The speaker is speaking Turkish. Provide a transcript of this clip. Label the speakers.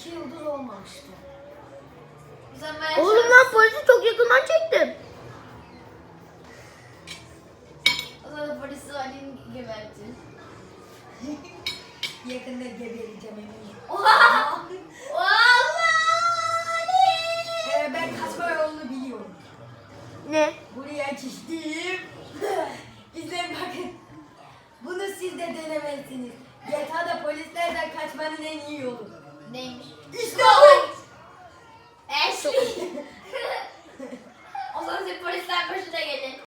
Speaker 1: 2 yıldır olmamıştı.
Speaker 2: Oğlum ben polisi çok yakından çektim.
Speaker 3: O zaman polisi Ali'nin geberti.
Speaker 1: Yakında gebereceğim eminim.
Speaker 3: Oha! Allah!
Speaker 1: Ben kaçma yolunu biliyorum.
Speaker 2: Ne?
Speaker 1: Buraya çizdim. İzleyin bakın. Bunu siz de denemezsiniz. GTA'da polislerden kaçmanın en iyi yolu.
Speaker 3: Neymiş?
Speaker 1: İşte o!